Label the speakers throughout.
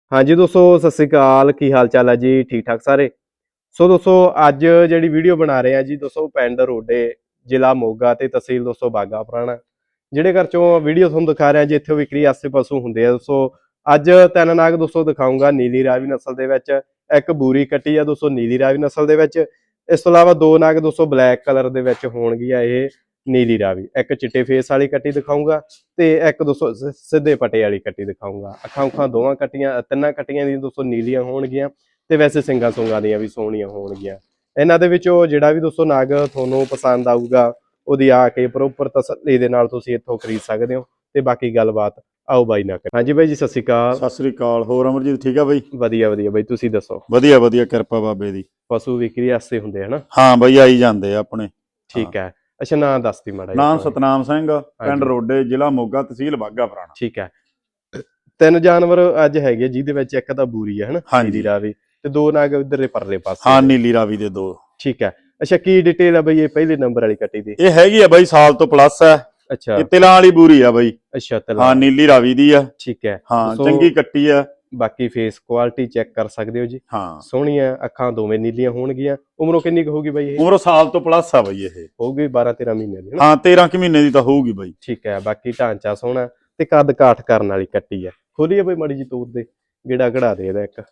Speaker 1: ਹਾਂਜੀ ਦੋਸਤੋ, ਸਤਿ ਸ੍ਰੀ ਅਕਾਲ। ਕੀ ਹਾਲ ਚਾਲ ਹੈ ਜੀ? ਠੀਕ ਠਾਕ ਸਾਰੇ। ਸੋ ਦੋਸਤੋ, ਅੱਜ ਜਿਹੜੀ ਵੀਡੀਓ ਬਣਾ ਰਹੇ ਆ ਜੀ ਦੋਸਤੋ, ਪਿੰਡ ਰੋਡੇ, ਜ਼ਿਲ੍ਹਾ ਮੋਗਾ ਤੇ ਤਹਿਸੀਲ ਦੋਸਤੋ ਬਾਗਾ ਪੁਰਾਣਾ। ਜਿਹੜੇ ਘਰ ਚੋਂ ਵੀਡੀਓ ਤੁਹਾਨੂੰ ਦਿਖਾ ਰਿਹਾ ਜੀ, ਇੱਥੇ ਵਿਕਰੀ ਵਾਸਤੇ ਪਸ਼ੂ ਹੁੰਦੇ ਆ ਦੋਸਤੋ। ਅੱਜ ਤਿੰਨ ਨਾਗ ਦੋਸਤੋ ਦਿਖਾਊਂਗਾ ਨੀਲੀ ਰਾਵੀ ਨਸਲ ਦੇ ਵਿੱਚ। ਇੱਕ ਬੂਰੀ ਕੱਟੀ ਆ ਦੋਸਤੋ ਨੀਲੀ ਰਾਵੀ ਨਸਲ ਦੇ ਵਿੱਚ। ਇਸ ਤੋਂ ਇਲਾਵਾ ਦੋ ਨਾਗ ਦੋਸਤੋ ਬਲੈਕ ਕਲਰ ਦੇ ਵਿੱਚ ਹੋਣਗੀਆਂ ਇਹ ਨੀਲੀ ਰਾਵੀ। ਇੱਕ ਚਿੱਟੇ ਫੇਸ ਵਾਲੀ ਕੱਟੀ ਦਿਖਾਊਂਗਾ ਤੇ ਇੱਕ ਦੋਸਤੋ ਸਿੱਧੇ ਪਟੇ ਵਾਲੀ ਕੱਟੀ ਦਿਖਾਊਂਗਾ। ਅੱਖਾਂ ਦੋਵਾਂ ਕੱਟੀਆਂ, ਤਿੰਨਾਂ ਕੱਟੀਆਂ ਦੀਆਂ ਦੋਸਤੋ ਨੀਲੀਆਂ ਹੋਣਗੀਆਂ ਤੇ ਵੈਸੇ ਸਿੰਗਾਂ ਸੁੰਗਾਂ ਦੀਆਂ ਵੀ ਸੋਹਣੀਆਂ ਹੋਣਗੀਆਂ। ਇਹਨਾਂ ਦੇ ਵਿੱਚੋਂ ਜਿਹੜਾ ਵੀ ਦੋਸਤੋ ਨਾਗ ਤੁਹਾਨੂੰ ਪਸੰਦ ਆਊਗਾ ਉਹਦੀ ਆ ਕੇ ਪ੍ਰੋਪਰ ਤਸੱਲੀ ਦੇ ਨਾਲ ਤੁਸੀਂ ਇੱਥੋਂ ਖਰੀਦ ਸਕਦੇ ਹੋ। ਤੇ ਬਾਕੀ ਗੱਲਬਾਤ ਆਓ ਬਾਈ ਨਾਲ। ਹਾਂਜੀ ਬਾਈ ਜੀ, ਸਤਿ ਸ਼੍ਰੀ ਅਕਾਲ।
Speaker 2: ਸਤਿ ਸ੍ਰੀ ਅਕਾਲ। ਹੋਰ ਅਮਰਜੀਤ ਠੀਕ ਆ ਬਾਈ?
Speaker 1: ਵਧੀਆ ਵਧੀਆ ਬਾਈ, ਤੁਸੀਂ ਦੱਸੋ?
Speaker 2: ਵਧੀਆ ਵਧੀਆ, ਕਿਰਪਾ ਬਾਬੇ ਦੀ।
Speaker 1: ਪਸ਼ੂ ਵਿਕਰੀ ਵਾਸਤੇ ਹੁੰਦੇ ਹਨਾ?
Speaker 2: ਹਾਂ ਬਾਈ, ਆਈ ਜਾਂਦੇ ਆ ਆਪਣੇ।
Speaker 1: ਠੀਕ ਹੈ। ਅੱਛਾ, ਨਾਂ ਦੱਸਦੀ ਮਾੜਾ ਜਿਹਾ।
Speaker 2: ਨਾਮ ਸਤਨਾਮ ਸਿੰਘ, ਪਿੰਡ
Speaker 1: ਹਾਂਜੀ।
Speaker 2: ਰੋਡੇ, ਜ਼ਿਲ੍ਹਾ ਮੋਗਾ, ਤਹਿਸੀਲ ਬਾਗਾ ਪੁਰਾਣਾ।
Speaker 1: ਠੀਕ ਹੈ। ਤਿੰਨ ਜਾਨਵਰ ਅੱਜ ਹੈਗੇ ਜਿਹਦੇ ਵਿੱਚ ਇੱਕ ਤਾਂ ਬੂਰੀ ਹੈ ਹਨਾ,
Speaker 2: ਹਾਂਜੀ।
Speaker 1: ਨੀਲੀ ਰਾਵੀ, ਤੇ ਦੋ ਨਾਗ ਇਧਰਲੇ ਪਰਲੇ ਪਾਸੇ।
Speaker 2: ਹਾਂ, ਨੀਲੀ ਰਾਵੀ ਦੇ ਦੋ।
Speaker 1: ਠੀਕ ਹੈ। ਅੱਛਾ, ਕੀ ਡਿਟੇਲ ਆ ਬਈ ਇਹ ਪਹਿਲੇ ਨੰਬਰ ਵਾਲੀ ਕੱਟੀ ਦੀ?
Speaker 2: ਇਹ ਹੈਗੀ ਆ ਬਾਈ ਸਾਲ ਤੋਂ ਪਲੱਸ ਹੈ।
Speaker 1: ਅੱਛਾ
Speaker 2: ਇਹ ਤਿਲਾਂ ਵਾਲੀ ਬੂਰੀ ਆ ਬਾਈ।
Speaker 1: ਅੱਛਾ,
Speaker 2: ਹਾਂ, ਨੀਲੀ ਰਾਵੀ ਦੀ ਆ।
Speaker 1: ਠੀਕ ਹੈ।
Speaker 2: ਹਾਂ, ਚੰਗੀ ਕੱਟੀ ਆ।
Speaker 1: ਬਾਕੀ ਫੇਸ ਕੁਆਲਿਟੀ ਚੈੱਕ ਕਰ ਸਕਦੇ ਹੋ ਜੀ।
Speaker 2: ਹਾਂ,
Speaker 1: ਸੋਹਣੀਆਂ ਅੱਖਾਂ ਦੋਵੇਂ ਨੀਲੀਆਂ ਹੋਣਗੀਆਂ। ਉਮਰੋਂ ਕਿੰਨੀ ਕੁ ਹੋਊਗੀ ਬਾਈ ਇਹ?
Speaker 2: ਉਮਰ ਸਾਲ ਤੋਂ ਪਲੱਸ ਆ ਬਾਈ। ਇਹ
Speaker 1: ਹੋਊਗੀ 12-13 ਮਹੀਨੇ ਦੀ ਹਨਾ?
Speaker 2: ਹਾਂ, 13 ਕੁ ਮਹੀਨੇ ਦੀ ਤਾਂ ਹੋਊਗੀ ਬਾਈ।
Speaker 1: ਠੀਕ ਹੈ। ਬਾਕੀ ਢਾਂਚਾ ਸੋਹਣਾ ਤੇ ਕੱਦ ਕਾਠ ਕਰਨ ਵਾਲੀ ਕੱਟੀ ਹੈ। ਖੋਲੀਏ ਬਾਈ ਮਾੜੀ ਜੀ ਤੂਰ ਦੇ, ਗੇੜਾ ਕਢਾ ਦੇ ਇਹਦਾ ਇੱਕ।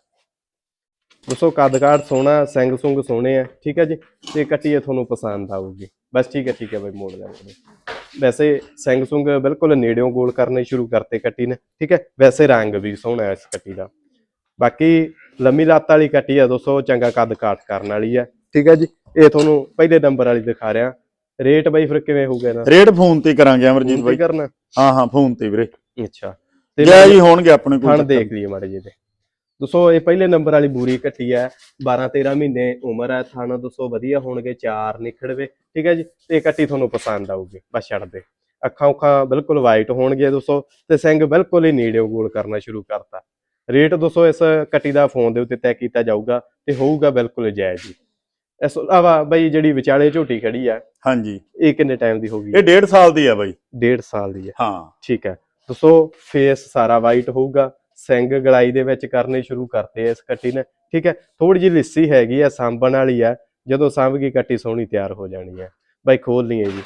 Speaker 1: ਦੱਸੋ, ਕੱਦ ਕਾਠ ਸੋਹਣਾ, ਸਿੰਘ ਸੁੰਗ ਸੋਹਣੇ ਆ। ਠੀਕ ਹੈ ਜੀ। ਤੇ ਕੱਟੀ ਇਹ ਤੁਹਾਨੂੰ ਪਸੰਦ ਆਊਗੀ ਬਸ। ਠੀਕ ਹੈ ਬਾਈ, ਮੋੜ ਲੈਂਦੇ। ਵੈਸੇ ਸਿੰਘ ਸੁੰਗ ਬਿਲਕੁਲ ਨੇੜਿਓਂ ਗੋਲ ਕਰਨੇ ਸ਼ੁਰੂ ਕਰਤੇ ਕੱਟੀ ਨੇ। ਠੀਕ ਹੈ। ਵੈਸੇ ਰੰਗ ਵੀ ਸੋਹਣਾ ਇਸ ਕੱਟੀ ਦਾ। ਬਾਕੀ ਲੰਮੀ ਲੱਤ ਵਾਲੀ ਕੱਟੀ ਆ ਦੋਸਤੋ, ਚੰਗਾ ਕੱਦ ਕਾਠ ਕਰਨ ਵਾਲੀ ਆ। ਠੀਕ ਹੈ ਜੀ। ਇਹ ਤੁਹਾਨੂੰ ਪਹਿਲੇ ਨੰਬਰ ਵਾਲੀ ਦਿਖਾ ਰਿਹਾ। ਰੇਟ ਬਾਈ ਫਿਰ ਕਿਵੇਂ ਹੋਊਗਾ ਇਹਦਾ?
Speaker 2: ਰੇਟ ਫੋਨ ਤੇ ਕਰਾਂਗੇ ਅਮਰਜੀਤ ਬਾਈ।
Speaker 1: ਕਰਨਾ?
Speaker 2: ਹਾਂ ਫੋਨ ਤੇ ਵੀਰੇ।
Speaker 1: ਅੱਛਾ,
Speaker 2: ਤੇ ਜੈ ਜੀ ਹੋਣਗੇ ਆਪਣੇ ਕੋਲ।
Speaker 1: ਥਣ ਦੇਖ ਲਈਏ ਮਾੜੇ ਜਿਹੇ। ਦੋਸਤੋ, ਇਹ ਪਹਿਲੇ ਨੰਬਰ ਵਾਲੀ ਬੂਰੀ ਕੱਟੀ ਹੈ। 12-13 ਮਹੀਨੇ ਉਮਰ ਹੈ। ਥਣ ਦੋਸਤੋ ਵਧੀਆ ਹੋਣਗੇ, ਚਾਰ ਨਿਖੜਵੇ। ਠੀਕ ਹੈ ਜੀ। ਤੇ ਕੱਟੀ ਤੁਹਾਨੂੰ ਪਸੰਦ ਆਊਗੀ ਬਸ। ਛੱਡ ਦੇ। ਅੱਖਾਂ ਬਿਲਕੁਲ ਵਾਈਟ ਹੋਣਗੀਆਂ ਦੋਸਤੋ, ਤੇ ਸਿੰਘ ਬਿਲਕੁਲ ਹੀ ਨੇੜਿਓਂ ਗੋਲ ਕਰਨਾ ਸ਼ੁਰੂ ਕਰਤਾ। ਰੇਟ ਦੋਸਤੋ ਇਸ ਕੱਟੀ ਦਾ ਫੋਨ ਦੇ ਉੱਤੇ ਤੈਅ ਕੀਤਾ ਜਾਊਗਾ ਤੇ ਹੋਊਗਾ ਬਿਲਕੁਲ ਜਾਇਜ਼ ਜੀ। ਇਸ ਤੋਂ ਇਲਾਵਾ ਬਈ ਜਿਹੜੀ ਵਿਚਾਲੇ ਝੋਟੀ ਖੜੀ ਆ,
Speaker 2: ਹਾਂਜੀ,
Speaker 1: ਇਹ ਕਿੰਨੇ ਟਾਈਮ ਦੀ ਹੋਊਗੀ?
Speaker 2: ਇਹ 1.5 ਸਾਲ ਦੀ ਆ ਬਾਈ।
Speaker 1: 1.5 ਸਾਲ ਦੀ ਹੈ।
Speaker 2: ਹਾਂ,
Speaker 1: ਠੀਕ ਹੈ। ਦੋਸਤੋ, ਫੇਸ ਸਾਰਾ ਵਾਈਟ ਹੋਊਗਾ। ਸਿੰਘ ਗਲਾਈ ਦੇ ਵਿੱਚ ਕਰਨੇ ਸ਼ੁਰੂ ਕਰਤੇ ਇਸ ਕੱਟੀ ਨੇ। ਠੀਕ ਹੈ। ਥੋੜੀ ਜਿਹੀ ਲਿੱਸੀ ਹੈਗੀ ਆ, ਸਾਂਭਣ ਵਾਲੀ ਆ। ਜਦੋਂ ਸਾਂਭ ਗਈ ਕੱਟੀ ਸੋਹਣੀ ਤਿਆਰ ਹੋ ਜਾਣੀ ਹੈ ਬਾਈ। ਖੋਲਣੀ ਹੈ ਜੀ।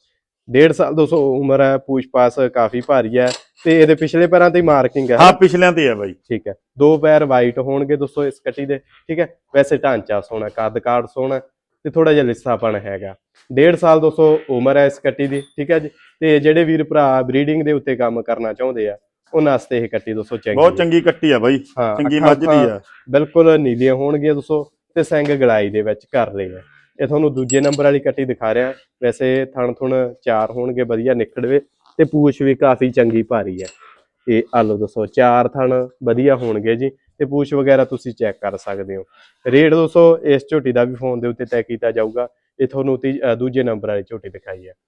Speaker 1: 1.5 ਸਾਲ ਦੋਸਤੋ ਉਮਰ ਹੈ। ਪੂਛ ਪਾਸ ਕਾਫੀ ਭਾਰੀ ਹੈ ਤੇ ਇਹਦੇ ਪਿਛਲੇ ਪੈਰਾਂ ਤੇ ਮਾਰਕਿੰਗ ਹੈ।
Speaker 2: ਹਾਂ, ਪਿਛਲਿਆਂ ਤੇ ਆ ਬਾਈ।
Speaker 1: ਠੀਕ ਹੈ। ਦੋ ਪੈਰ ਵਾਈਟ ਹੋਣਗੇ ਦੋਸਤੋ ਇਸ ਕੱਟੀ ਦੇ। ਠੀਕ ਹੈ। ਵੈਸੇ ਢਾਂਚਾ ਸੋਹਣਾ, ਕੱਦ ਕਾਠ ਸੋਹਣਾ ਤੇ ਥੋੜਾ ਜਿਹਾ ਲਿੱਸਾਪਣ ਹੈਗਾ। 1.5 ਸਾਲ ਦੋਸਤੋ ਉਮਰ ਹੈ ਇਸ ਕੱਟੀ ਦੀ। ਠੀਕ ਹੈ ਜੀ। ਤੇ ਜਿਹੜੇ ਵੀਰ ਭਰਾ ਬਰੀਡਿੰਗ ਦੇ ਉੱਤੇ ਕੰਮ ਕਰਨਾ ਚਾਹੁੰਦੇ ਆ, ਉਹਨਾਂ ਵਾਸਤੇ ਇਹ ਕੱਟੀ ਦੋਸਤੋ ਚੰਗੀ,
Speaker 2: ਬਹੁਤ ਚੰਗੀ ਕੱਟੀ ਆ ਬਾਈ।
Speaker 1: ਹਾਂ,
Speaker 2: ਚੰਗੀ ਮੱਝ ਦੀ ਆ।
Speaker 1: ਬਿਲਕੁਲ ਨੀਲੀਆਂ ਹੋਣਗੀਆਂ ਦੋਸਤੋ, ਤੇ ਸਿੰਘ ਗਲਾਈ ਦੇ ਵਿੱਚ ਕਰ ਰਹੇ ਆ। ਇਹ ਤੁਹਾਨੂੰ ਦੂਜੇ ਨੰਬਰ ਵਾਲੀ ਕੱਟੀ ਦਿਖਾ ਰਿਹਾ। ਵੈਸੇ ਥਣ ਥੁਣ ਚਾਰ ਹੋਣਗੇ ਵਧੀਆ ਨਿਕੜਵੇ, ਤੇ ਪੂਛ ਵੀ ਕਾਫੀ ਚੰਗੀ ਭਾਰੀ ਹੈ। ਇਹ ਆਲੋ ਦੋਸਤੋ, ਚਾਰ ਥਣ ਵਧੀਆ ਹੋਣਗੇ ਜੀ। ਤੇ ਪੂਛ ਵਗੈਰਾ ਤੁਸੀਂ ਚੈੱਕ ਕਰ ਸਕਦੇ ਹੋ। ਰੇਟ ਦੋਸਤੋ ਇਸ ਝੋਟੀ ਦਾ ਵੀ ਫੋਨ ਦੇ ਉੱਤੇ ਤੈਅ ਕੀਤਾ ਜਾਊਗਾ। ਇਹ ਤੁਹਾਨੂੰ ਦੂਜੇ ਨੰਬਰ ਵਾਲੀ ਝੋਟੀ ਦਿਖਾਈ ਹੈ।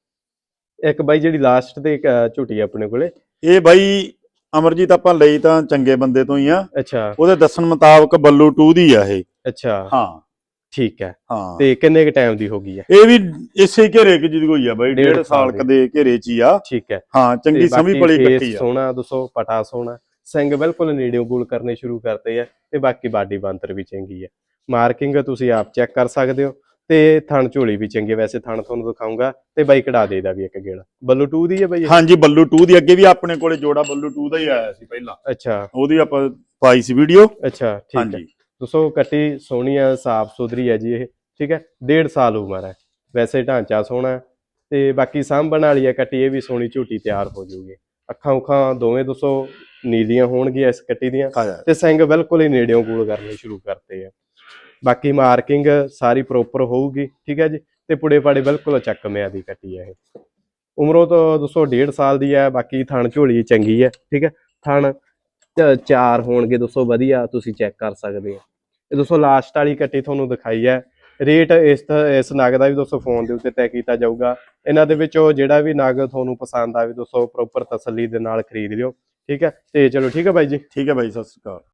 Speaker 1: ਇੱਕ ਬਾਈ ਜਿਹੜੀ ਲਾਸਟ ਤੇ ਝੋਟੀ ਆਪਣੇ ਕੋਲੇ,
Speaker 2: ਇਹ ਬਾਈ ਅਮਰਜੀਤ ਆਪਾਂ ਲਈ ਤਾਂ ਚੰਗੇ ਬੰਦੇ ਤੋਂ ਹੀ ਆ।
Speaker 1: ਅੱਛਾ,
Speaker 2: ਉਹਦੇ ਦੱਸਣ ਮੁਤਾਬਕ ਬੱਲੂ 2 ਦੀ ਆ ਇਹ।
Speaker 1: ਅੱਛਾ,
Speaker 2: ਹਾਂ
Speaker 1: ਠੀਕ ਹੈ।
Speaker 2: ਹਾਂ,
Speaker 1: ਤੇ ਕਿੰਨੇ ਕ ਟਾਈਮ ਦੀ ਹੋ ਗਈ ਹੈ?
Speaker 2: ਇਹ ਵੀ ਇਸੇ ਘੇਰੇ ਕਿ ਜਿਹਦੀ ਕੋਈ ਆ ਬਾਈ। 1.5 ਸਾਲ ਦੇ ਘੇਰੇ ਚ ਹੀ ਆ।
Speaker 1: ਠੀਕ ਹੈ।
Speaker 2: ਹਾਂ, ਚੰਗੀ ਸਮੀ ਪਲੀ ਕੱਟੀ ਆ।
Speaker 1: ਸੋਹਣਾ ਦੋਸਤੋ, ਪਟਾ ਸੋਹਣਾ, ਸਿੰਘ ਬਿਲਕੁਲ ਨੇੜਿਓਂ ਗੋਲ ਕਰਨੇ ਸ਼ੁਰੂ ਕਰਤੇ ਆ। ਤੇ ਬਾਕੀ ਬਾਡੀ ਬਾਂਤਰ ਵੀ ਚੰਗੀ ਹੈ। ਮਾਰਕਿੰਗ ਤੁਸੀਂ ਆਪ ਚੈੱਕ ਕਰ ਸਕਦੇ ਹੋ। ਤੇ ਥਣ ਝੋਲੀ ਵੀ ਚੰਗੀ। ਵੈਸੇ ਥਣ ਤੁਹਾਨੂੰ ਦਿਖਾਊਂਗਾ ਤੇ ਬਾਈ ਕਢਾ ਦੇਦਾ ਵੀ ਇੱਕ ਗੇੜਾ। ਬੱਲੂ 2 ਦੀ ਹੈ ਬਾਈ?
Speaker 2: ਹਾਂਜੀ, ਬੱਲੂ 2 ਦੀ। ਅੱਗੇ ਵੀ ਆਪਣੇ ਕੋਲੇ ਜੋੜਾ ਬੱਲੂ 2 ਦਾ ਹੀ ਆਇਆ ਸੀ ਪਹਿਲਾਂ।
Speaker 1: ਅੱਛਾ,
Speaker 2: ਉਹਦੀ ਆਪਾਂ ਪਾਈ ਸੀ ਵੀਡੀਓ।
Speaker 1: ਅੱਛਾ, ਠੀਕ ਹੈ। ਦੋਸਤੋ, ਕੱਟੀ ਸੋਹਣੀ ਆ, ਸਾਫ ਸੁਥਰੀ ਹੈ ਜੀ ਇਹ। ਠੀਕ ਹੈ। 1.5 ਸਾਲ ਉਮਰ ਹੈ। ਵੈਸੇ ਢਾਂਚਾ ਸੋਹਣਾ ਤੇ ਬਾਕੀ ਸਾਂਭਣ ਵਾਲੀ ਹੈ ਕੱਟੀ। ਇਹ ਵੀ ਸੋਹਣੀ ਝੋਟੀ ਤਿਆਰ ਹੋ ਜਾਊਗੀ। ਅੱਖਾਂ ਉਖਾਂ ਦੋਵੇਂ ਦੋਸਤੋ ਨੀਲੀਆਂ ਹੋਣਗੀਆਂ ਇਸ ਕੱਟੀ ਦੀਆਂ, ਤੇ ਸਿੰਘ ਬਿਲਕੁਲ ਹੀ ਨੇੜਿਓਂ ਗੋਲ ਕਰਨੇ ਸ਼ੁਰੂ ਕਰਤੇ ਆ। ਬਾਕੀ ਮਾਰਕਿੰਗ ਸਾਰੀ ਪ੍ਰੋਪਰ ਹੋਊਗੀ। ਠੀਕ ਹੈ ਜੀ। ਤੇ ਪੁੜੇ ਪਾੜੇ ਬਿਲਕੁਲ ਚੱਕਵਿਆਂ ਦੀ ਕੱਟੀ ਹੈ ਇਹ। ਉਮਰੋਂ ਤਾਂ ਦੋਸਤੋ 1.5 ਸਾਲ ਦੀ ਹੈ। ਬਾਕੀ ਥਣ ਝੋਲੀ ਚੰਗੀ ਹੈ। ਠੀਕ ਹੈ। ਥਣ ਚਾਰ ਹੋਣਗੇ ਦੋਸਤੋ ਵਧੀਆ, ਤੁਸੀਂ ਚੈੱਕ ਕਰ ਸਕਦੇ ਹੋ। ਇਹ ਦੋਸਤੋ ਲਾਸਟ ਵਾਲੀ ਕੱਟੀ ਤੁਹਾਨੂੰ ਦਿਖਾਈ ਹੈ। ਰੇਟ ਇਸ ਨਗ ਦਾ ਵੀ ਦੋਸਤੋ ਫੋਨ ਦੇ ਉੱਤੇ ਤੈਅ ਕੀਤਾ ਜਾਊਗਾ। ਇਹਨਾਂ ਦੇ ਵਿੱਚੋਂ ਜਿਹੜਾ ਵੀ ਨਗ ਤੁਹਾਨੂੰ ਪਸੰਦ ਆਵੇ ਦੋਸਤੋ ਪ੍ਰੋਪਰ ਤਸੱਲੀ ਦੇ ਨਾਲ ਖਰੀਦ ਲਿਓ। ਠੀਕ ਹੈ। ਤੇ ਚਲੋ, ਠੀਕ ਹੈ ਬਾਈ ਜੀ।
Speaker 2: ਠੀਕ ਹੈ ਬਾਈ, ਸਤਿ ਸ਼੍ਰੀ ਅਕਾਲ।